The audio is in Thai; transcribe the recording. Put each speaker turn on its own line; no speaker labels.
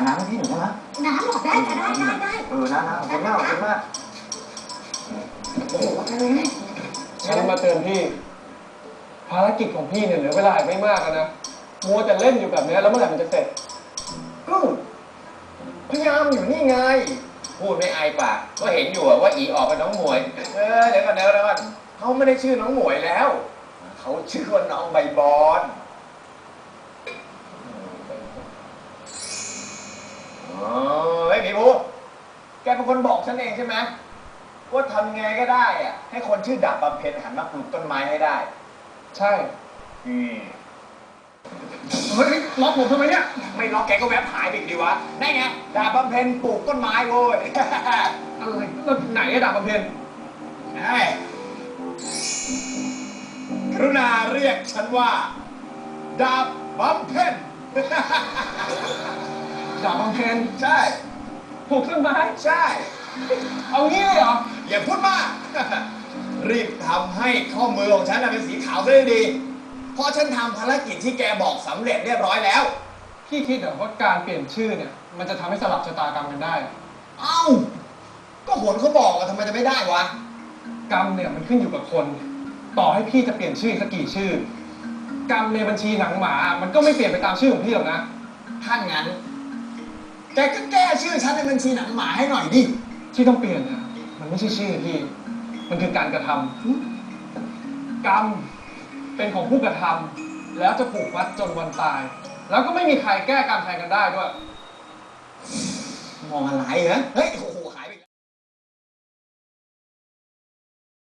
น้ำให้พี่หน่อยได้ไหม
น้ำหรอได้ค่ะได้
นะขอบคุณมากโอ้โห
ฉันมาเตือนพี่ภารกิจของพี่เนี่ยเหลือเวลาอีกไม่มากแล้วนะมัวแต่เล่นอยู่แบบนี้แล้วเมื่อไหร่มันจะเสร็จ
ก็พยายามอยู่นี่ไงพูดไม่อายปากก็เห็นอยู่ว่าอีออกกับน้องหมวยเดี๋ยวก่อนเขาไม่ได้ชื่อน้องหมวยแล้วเขาชื่อว่าน้องใบบอนเฮ้ยพี่ภูแกเป็นคนบอกฉันเองใช่ไหมว่าทำไงก็ได้อะให้คนชื่อดาบบำเพ็ญหันมาปลูกต้นไม้ให้ได้
ใช่
เฮ้ยล็อกผมทำไมเนี่ยไม่ล็อกแกก็แวบหายไปดีวะได้ไงดาบบำเพ็ญปลูกต้นไม้โว้ย
อะไรแล้วไหนดาบบำเพ็ญ
กรุณาเรียกฉันว่าดาบบำเพ็ญ
ดาบบำเพ็ญ
ใช่
ปลูกต้นไม้
ใช่
เอางี้เลยเหรอ
อย่าพูดมากรีบทำให้ข้อมือของฉันเป็นสีขาวได้ดีเพราะฉันทำภารกิจที่แกบอกสำเร็จเรียบร้อยแล้ว
พี่คิดเหรอว่าการเปลี่ยนชื่อเนี่ยมันจะทำให้สลับชะตากรรมกันได้
เอ้าก็ผลเขาบอกทำไมจะไม่ได้วะ
กรรมเนี่ยมันขึ้นอยู่กับคนต่อให้พี่จะเปลี่ยนชื่อสักกี่ชื่อกรรมในบัญชีหนังหมามันก็ไม่เปลี่ยนไปตามชื่อของพี่หรอกนะ
ถ้างั้นแกก็แก้ชื่อฉันในบัญชีหนังหมาให้หน่อยดิ
ที่ต้องเปลี่ยนเนี่ยมันไม่ใช่ชื่อพี่มันคือการกระทำกรรมเป็นของผู้กระทำแล้วจะผูกมัดจนวันตายแล้วก็ไม่มีใครแก้กรรมแทนกันได้ด้วย
มองอะไรเหรอเฮ้ยโอ้โห